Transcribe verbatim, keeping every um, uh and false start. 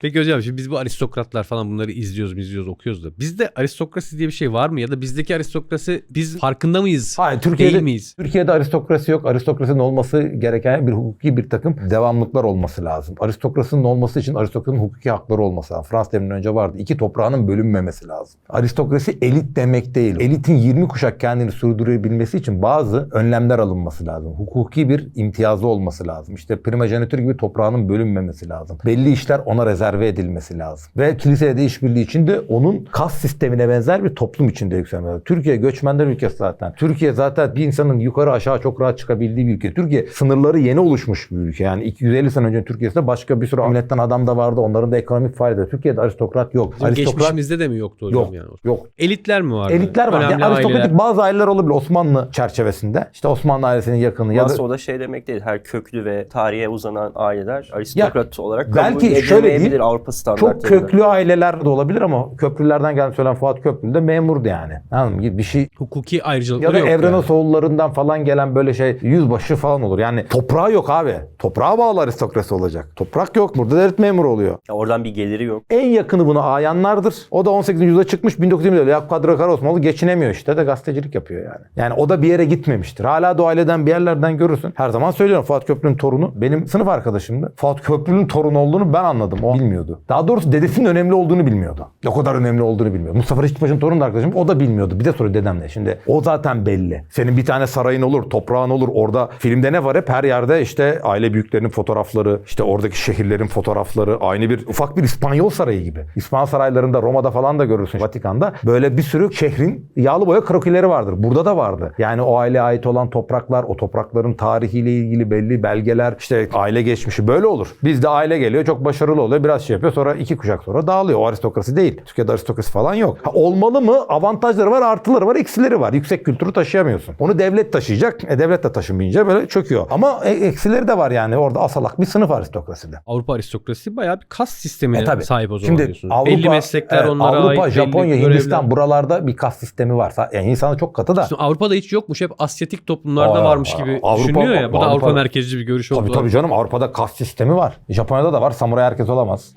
Peki hocam şimdi biz bu aristokratlar falan bunları izliyoruz, izliyoruz, okuyoruz da. Bizde aristokrasi diye bir şey var mı? Ya da bizdeki aristokrasi biz farkında mıyız? Hayır, Türkiye'de, değil miyiz? Türkiye'de aristokrasi yok. Aristokrasinin olması gereken bir hukuki bir takım devamlıklar olması lazım. Aristokrasinin olması için aristokratın hukuki hakları olması lazım. Fransız devriminden önce vardı. İki toprağının bölünmemesi lazım. Aristokrasi elit demek değil. Elitin yirmi kuşak kendini sürdürebilmesi için bazı önlemler alınması lazım. Hukuki bir imtiyazı olması lazım. İşte primojenitür gibi toprağının bölünmemesi lazım. Belli işler ona rezerve edilmesi lazım. Ve kiliseyle de işbirliği için de onun kas sistemine benzer bir toplum içinde yükselmesi lazım. Türkiye göçmenler ülkesi zaten. Türkiye zaten bir insanın yukarı aşağı çok rahat çıkabildiği bir ülke. Türkiye sınırları yeni oluşmuş bir ülke. Yani iki yüz elli sene önce Türkiye'de başka bir sürü milletten adam da vardı. Onların da ekonomik faaliyeti. Türkiye'de aristokrat yok. Bizim aristokrat geçmişimizde de mi yoktu hocam yok, yani? yok. Elitler mi vardı? Elitler var. Önemli Yani aristokratik aileler. bazı aileler olabilir Osmanlı çerçevesinde. İşte Osmanlı ailesinin yakını ya da Aslında o da şey demek değil. Her köklü ve tarihe uzanan aileler aristokrat olarak belki kabul şöyle edilemeyebilir değil, Avrupa standartlarında. çok köklü aileler de olabilir ama köprülerden gelmiş söylen Fuat Köprülü de memurdu yani. Anladın mı? Bir şey Hukuki ya ayrıcalıkları da yok Evrenos yani. oğullarından falan gelen böyle şey yüzbaşı falan olur. Yani toprağı yok abi. Toprağa bağlı aristokrasi olacak. Toprak yok. Burada devlet memuru oluyor. Ya oradan bir geliri yok. En yakını buna ayanlardır. O da on sekizinci yüzyılda çıkmış bin dokuz yüz yirmide. Yakup Kadri Karaosmanoğlu geçinemiyor işte de gazetecilik yapıyor yani. Yani o da bir yere gitmemiştir. Hala da o aileden bir yerlerden görürsün. Her zaman söylüyorum Fuat Köprülü'nün torunu benim sınıf arkadaşımdı. Fuat Köprülü'nün torunu olduğunu ben anladım. O bilmiyordu. Daha doğrusu dedesinin önemli olduğunu bilmiyordu. O kadar önemli olduğunu bilmiyordu. Mustafa Reşit Paşa'nın torunu da arkadaşım. O da bilmiyordu. Bir de soruyor dedemle. Şimdi o zaten belli. Senin bir tane sarayın olur, toprağın olur. Orada filmde ne var hep? Her yerde işte aile büyüklerinin fotoğrafları, işte oradaki şehirlerin fotoğrafları. Aynı bir ufak bir İspanyol sarayı gibi. İspanyol saraylarında Roma'da falan da görürsün. Vatikan'da böyle bir sürü şehrin yağlı boya krokileri vardır. Burada da vardı. Yani o aileye ait olan topraklar, o toprakların tarihiyle ilgili belli belgeler, işte aile geçmişi böyle olur. Bizde aile geliyor, çok başarılı oluyor, biraz şey yapıyor, sonra iki kuşak sonra dağılıyor. O aristokrasi değil. Türkiye'de aristokrasi falan yok. Ha, olmalı mı? Avantajları var, artıları var, eksileri var. Yüksek kültürü taşıyamıyorsun. Onu devlet taşıyacak. E devlet de taşımayınca böyle çöküyor. Ama e, eksileri de var yani. Orada asalak bir sınıf aristokraside. Avrupa aristokrasisi bayağı bir kas sistemine E, tabii. sahip o zaman Şimdi diyorsunuz. Avrupa, belli meslekler evet, onlara Avrupa, ait. Japonya, belli Hindistan görevler. buralarda bir kas sistemi var. Yani insanı çok katı da. Şimdi Avrupa'da hiç yokmuş. Hep Asyatik toplumlarda Aa, varmış gibi Avrupa- düşünülüyor ya. Bu da Avrupa- Avrupa merkezci bir görüş oldu. Tabii tabii canım, Avrupa'da kas sistemi var. Japonya'da da var. Samuray herkes olamaz.